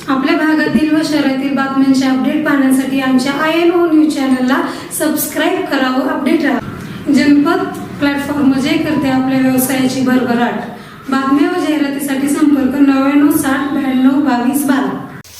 आपल्या भागातील व शहरातील बातम्यांचे अपडेट पाहण्यासाठी आमच्या INO न्यूज चॅनलला सबस्क्राईब करा व अपडेट राहा. जनपद प्लॅटफॉर्म जे करते आपल्या व्यवसायाची भरभराट. बातम्या व जाहिरातीसाठी संपर्क 99 60 92 22 12.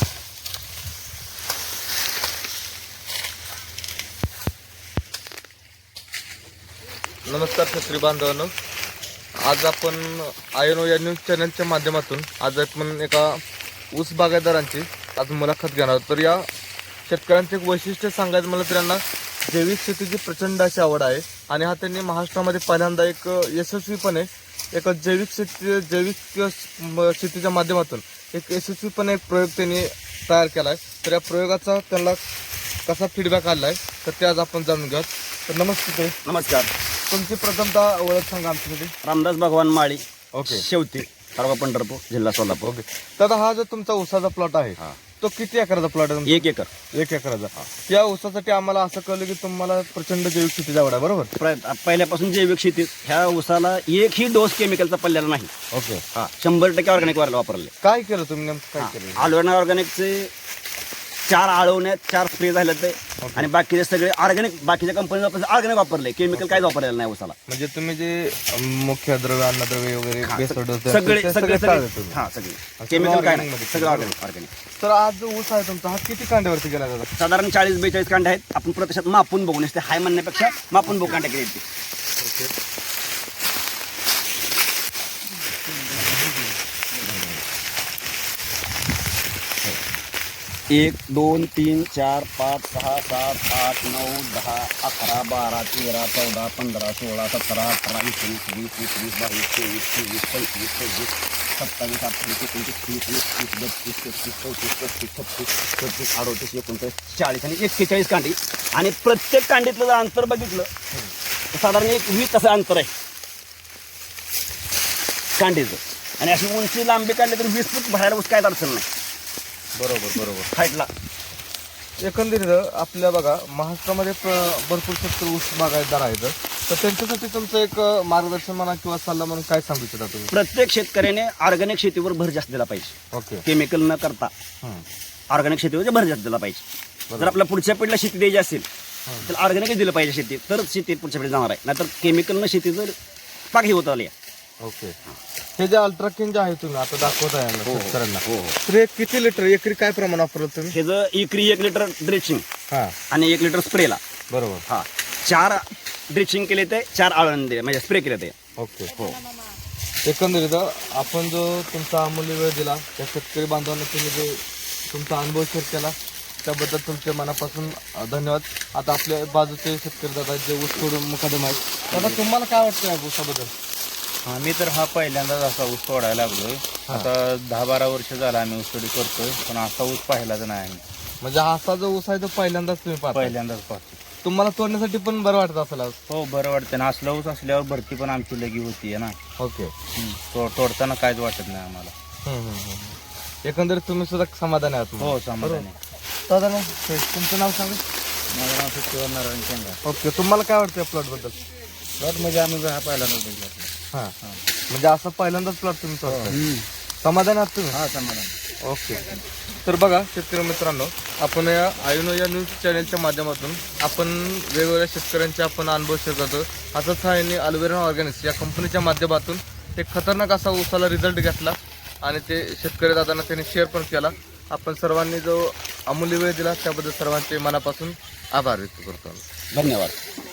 नमस्कार शेतकरी बांधवांनो, आज आपण INO या न्यूज चॅनलच्या माध्यमातून आज आपण एका ऊस बागायतदारांची आज मुलाखत घेणार आहोत. तर या शेतकऱ्यांचे एक वैशिष्ट्य सांगायचं म्हणलं तर त्यांना जैविक शेतीची प्रचंड अशी आवड आहे आणि हा त्यांनी महाराष्ट्रामध्ये पहिल्यांदा एक यशस्वीपणे एक जैविक शेतीच्या माध्यमातून एक यशस्वीपणे एक प्रयोग त्यांनी तयार केला आहे. तर या प्रयोगाचा त्यांना कसा फीडबॅक आला आहे तर ते आज आपण जाणून घेऊयात. तर नमस्ते. नमस्कार. तुमची प्रथमतः ओळख सांगा आमच्यासाठी. रामदास भगवान माळी, ओके. शेवती, तालुका पंढरपूर, जिल्हा सोलापूर. ओके. तर हा जो तुमचा ऊसाचा प्लॉट आहे तो किती एकराचा प्लॉट आहे तुमचा? 1 एकर. 1 एकराचा. या ऊसासाठी आम्हाला असं कळलं की तुम्हाला प्रचंड जैविक शेतीची आवड आहे, बरोबर? पहिल्यापासून जैविक शेतीत ह्या ऊसाला एकही डोस केमिकलचा पडलेला नाही. ओके. 100% ऑर्गॅनिक वापरले. काय केलं तुम्ही, नेमकं काय केलं? आलोना ऑर्गॅनिकचे 4 आळवण्यात 4 स्प्रे झाले ते आणि बाकीचे सगळे ऑर्गॅनिक, बाकीच्या कंपनी ऑर्गॅनिक वापरले. केमिकल काहीच वापरलेलं नाही ऊसाला. म्हणजे तुम्ही जे मुख्य द्रव्य, अन्नद्रव्य वगैरे सगळे सगळे सगळे केमिकल काय नाही, सगळं ऑर्गॅनिक. तर आज जो ऊस आहे तुमचा हा किती कांड्यावरती गेला जातो? साधारण 40-42 कांडे आहेत. आपण प्रत्यक्षात मापून बघून असते, हाय म्हणण्यापेक्षा मापून बघू कांडे किती आहेत ते. 1 2 3 4 5 6 7 8 9 10 11 12 13 14 15 16 17 18 19 20 21 22 23 24 25 26 27 28 29 30 31 32 33 34 38 39 40 आणि 41 कांडी. आणि प्रत्येक कांडीतलं जर अंतर बघितलं तर साधारण 20 असं अंतर आहे कांडीचं. आणि अशी उंची लांबी काढली तर 20 फूट भरायला ऊस काय अडचण नाही. बरोबर. हाईटला एकंदरीत आपल्या बघा महाराष्ट्रामध्ये भरपूर शेतकरी ऊस बागायतदार आहेत. तर त्यांच्यासाठी तुमचं एक मार्गदर्शन म्हणा किंवा सल्ला म्हणून काय सांगू इच्छिता तुम्ही? प्रत्येक शेतकऱ्याने ऑर्गॅनिक शेतीवर भर जास्त दिला पाहिजे. ओके. केमिकल न करता ऑर्गॅनिक शेतीवर भर जास्त दिला पाहिजे. जर आपल्या पुढच्या पिढीला शेती द्यायची असेल तर ऑर्गॅनिकच दिलं पाहिजे शेती, तर शेती पुढच्या पिढी जाणार आहे. नाहीतर केमिकल न शेती जर पाक ही होत आली. ओके. हे जे अल्ट्राकिन जे आहे तुम्ही आता दाखवत आहे शेतकऱ्यांना, हो. तर हे किती लिटर एकरी काय प्रमाण वापरलं तुम्ही? हे जर एकरी 1 लिटर ड्रेचिंग हा, आणि 1 लिटर स्प्रेला. बरोबर. 4 ड्रेचिंग केले ते 4 आळंदे म्हणजे स्प्रे केले ते. ओके. हो. एकंदरीत आपण जो तुमचा अमूल्य वेळ दिला त्या शेतकरी बांधवांना, तुम्ही जे तुमचा अनुभव शेअर केला त्याबद्दल तुमच्या मनापासून धन्यवाद. आता आपल्या बाजूचे शेतकरी दादा जे ऊस तोडून मुकादम आहेत, दादा तुम्हाला काय वाटतं या ऊसाबद्दल? आम्ही तर हा पहिल्यांदाच असा ऊस तोडायला लागलोय. आता 10-12 वर्ष झाला आम्ही ऊस तोडी करतोय, पण असा ऊस पाहिलाच नाही आम्ही. म्हणजे असा जो ऊस आहे तो पहिल्यांदाच तुम्ही पाहता? पहिल्यांदाच पाहतो. तुम्हाला तोडण्यासाठी पण बरं वाटत असेल आज? हो, बरं वाटतं ना. असला ऊस असल्यावर भरती पण आमची लगी होतीये ना. ओके. तोडताना काहीच वाटत नाही आम्हाला. एकंदरीत तुम्ही सुद्धा समाधानी आहात? हो, समाधान आहे. दादा तुमचं नाव सांगा. माझं नाव सचिव नारायण शेंगा. ओके. तुम्हाला काय वाटतं प्लॉट बद्दल? प्लॉट म्हणजे आम्ही हा पहिल्यांदाच बघितला. हा, म्हणजे असं पहिल्यांदाच प्लॉट तुम्ही तोडताय. समाधानी आहात तुम्ही? हा, समाधान. ओके. तर बघा शेतकरी मित्रांनो, आपण या INO या न्यूज चॅनलच्या माध्यमातून आपण वेगवेगळ्या शेतकऱ्यांचे आपण अनुभव शेअर करतो. असंच हा यांनी अल्वेरा ऑर्गॅनिक्स या कंपनीच्या माध्यमातून एक खतरनाक असा ऊसाला रिझल्ट घेतला आणि ते शेतकरी दादांना त्यांनी शेअर पण केला. आपण सर्वांनी जो अमूल्य वेळ दिला त्याबद्दल सर्वांचे मनापासून आभार व्यक्त करतो. धन्यवाद.